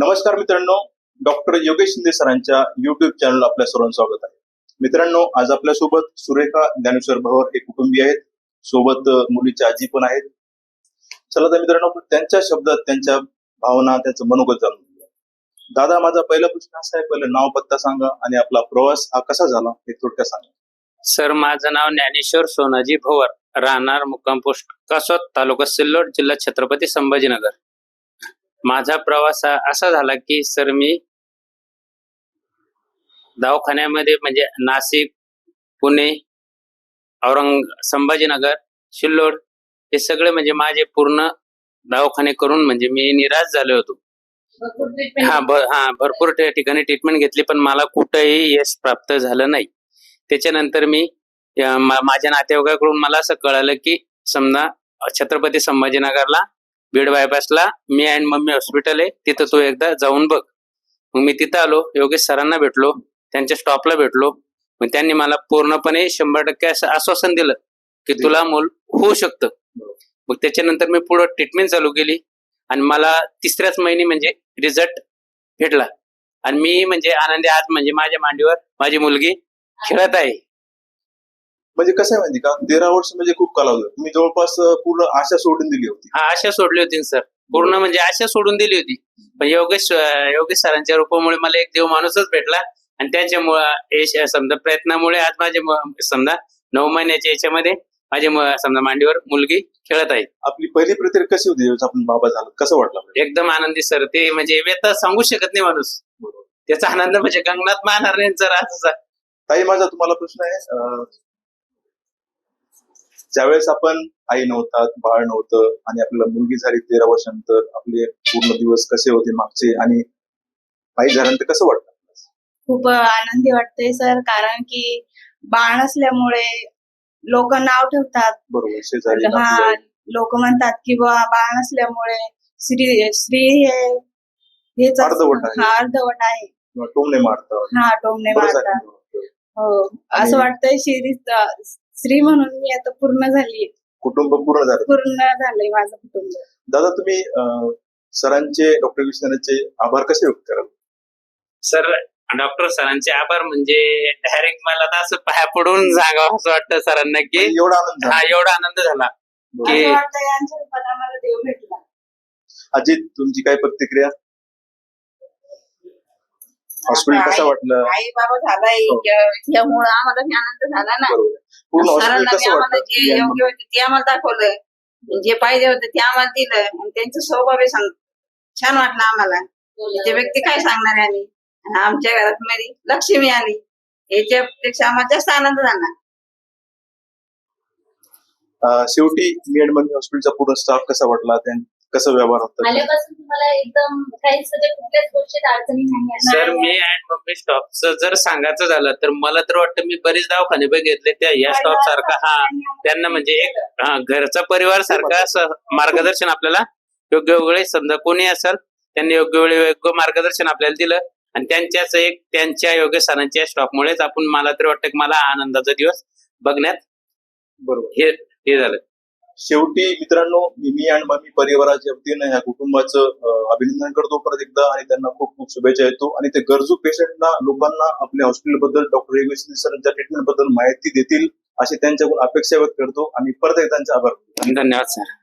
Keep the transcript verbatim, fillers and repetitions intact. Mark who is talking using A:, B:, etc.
A: नमस्कार मित्रांनो, डॉक्टर योगेश शिंदे सरांच्या युट्यूब चॅनल आपल्या सर्वांचं स्वागत आहे. मित्रांनो, आज आपल्यासोबत सुरेखा ज्ञानेश्वर भवर हे कुटुंबीय आहेत, सोबत मुलीची आजी पण आहेत. चला तर मित्रांनो, त्यांच्या शब्दात त्यांच्या भावना, त्यांचं मनोगत जाणून घेऊया. दादा, माझा पहिला प्रश्न असा आहे, पहिलं नाव पत्ता सांगा आणि आपला प्रवास हा कसा झाला हे थोडक्यात सांगा.
B: सर, माझं नाव ज्ञानेश्वर सोनाजी भवर, राहणार मुक्काम पोस्ट कासोद, तालुका सिल्लोड, जिल्हा छत्रपती संभाजीनगर. माझा प्रवास हा असा झाला की सर मी दवाखान्यामध्ये म्हणजे नाशिक, पुणे, औरंग संभाजीनगर, सिल्लोड हे सगळे म्हणजे माझे पूर्ण दवाखाने करून म्हणजे मी निराश झालो होतो. हा हा भरपूर ठिकाणी ट्रीटमेंट घेतली पण मला कुठेही यश प्राप्त झालं नाही. त्याच्यानंतर मी माझ्या नातेवाईकाकडून मला असं कळालं की समजा छत्रपती संभाजीनगरला बीड बायपासला मी अँड मम्मी हॉस्पिटल आहे, तिथं तू एकदा जाऊन बघ. मग मी तिथं आलो, योगेश सरांना भेटलो, त्यांच्या स्टॉपला भेटलो. मग त्यांनी मला पूर्णपणे शंभर टक्के असं आश्वासन दिलं की तुला मूल होऊ शकतं. मग त्याच्यानंतर मी पुढे ट्रीटमेंट चालू केली आणि मला तिसऱ्याच महिने म्हणजे रिझल्ट भेटला आणि मी म्हणजे आनंदी आज म्हणजे माझ्या मांडीवर माझी मुलगी खेळत आहे.
A: म्हणजे कसं आहे माहिती का, तेरा वर्ष म्हणजे खूप कालावधी. तुम्ही जवळपास पूर्ण आशा सोडून दिली होती.
B: हा, आशा सोडली होती सर, पूर्ण म्हणजे आशा सोडून दिली होती. पण योगेश योगेश सरांच्या रूपामुळे मला एक देव माणूसच भेटला आणि त्याच्यामुळे समजा प्रयत्नामुळे आज माझे समजा नऊ महिन्याच्या याच्यामध्ये माझे समजा मांडीवर मुलगी खेळत आहे.
A: आपली पहिली प्रतिक्रिया कशी होती जेव्हा आपण बाबा झाला, कसं वाटलं?
B: एकदम आनंदी सर. ते म्हणजे व्यथा सांगू शकत नाही माणूस, त्याचा आनंद म्हणजे गगनात मानणार नाही सर. असं
A: ताई, माझा तुम्हाला प्रश्न आहे, ज्यावेळेस आपण आई नव्हतात, बाळ नव्हतं आणि आपल्याला मुलगी झाली तेरा वर्षानंतर, आपले पूर्ण दिवस कसे होते मागचे आणि आई झाल्यानंतर कसं वाटतं?
C: खूप आनंदी वाटते सर, कारण की बाळ नसल्यामुळे लोक नाव ठेवतात.
A: बरोबर, शेजारी
C: हा, लोक म्हणतात की बाळ नसल्यामुळे स्त्री स्त्री हे हेच
A: अर्धवट आहे.
C: हा, अर्धवट आहे,
A: टोमणे मारतात.
C: हा, टोमणे मारतात. हो, असं वाटतंय स्त्री स्त्री म्हणून मी आता पूर्ण झाली,
A: कुटुंब पूर्ण झालं,
C: पूर्ण झालंय माझं कुटुंब.
A: दादा, तुम्ही सरांचे, डॉक्टर विश्वनाथचे आभार कसे व्यक्त कराल?
B: सर, डॉक्टर सरांचे आभार म्हणजे डायरेक्ट मला तर असं पाया पडून सांगावं असं वाटतं सरांना की
A: एवढा आनंद
B: हा एवढा आनंद झाला की
C: यांच्या रूपात आम्हाला देव भेटला.
A: अजित, तुमची काय प्रतिक्रिया? हॉस्पिटल कसं वाटलं?
D: आई बाबा झालाय यामुळे आम्हाला आनंद झाला ना. सरांना आम्हाला जे योग्य होते ते आम्हाला दाखवलं, जे पाहिजे होते ते आम्हाला दिलं आणि त्यांचं स्वभाव सांग छान वाटलं आम्हाला. ते व्यक्ती काय सांगणार आहे आम्ही, आमच्या घरात मध्ये लक्ष्मी आली याच्यापेक्षा आम्हाला जास्त आनंद झाला.
A: शेवटी मी अँड मम्मी हॉस्पिटलचा पूर्ण स्टाफ कसा वाटला, कसं व्यवहार होता?
E: आल्यापासून तुम्हाला एकदम काहीच म्हणजे कुठल्याच गोष्टीत अडचणी नाही.
B: सर, मी अँड मम्मी स्टॉपचं जर सांगायचं झालं तर मला तर वाटतं मी बरेच दवाखाने बघितले, त्या या स्टॉप सारखा हा त्यांना म्हणजे एक हा घरचा परिवार सारखा मार्गदर्शन आपल्याला योग्य वेळी समजा कोणी असेल त्यांनी योग्य वेळी योग्य मार्गदर्शन आपल्याला दिलं आणि त्यांच्याच एक त्यांच्या योग्य सरांच्या स्टॉपमुळेच आपण मला तरी वाटतं की मला आनंदाचा दिवस बघण्यात बरोबर हे हे झालं.
A: शेवटी मित्रांनो, मी आणि मम्मी परिवाराच्या वतीने ह्या कुटुंबाचं अभिनंदन करतो परत एकदा आणि त्यांना खूप खूप शुभेच्छा देतो आणि ते गरजू पेशंटना, लोकांना आपल्या हॉस्पिटल बद्दल, डॉक्टर योगेश शिंदे सरांच्या ट्रीटमेंट बद्दल माहिती देतील अशी त्यांच्याकडून अपेक्षा व्यक्त करतो आणि परत एकदा त्यांचे आभार.
B: धन्यवाद सर.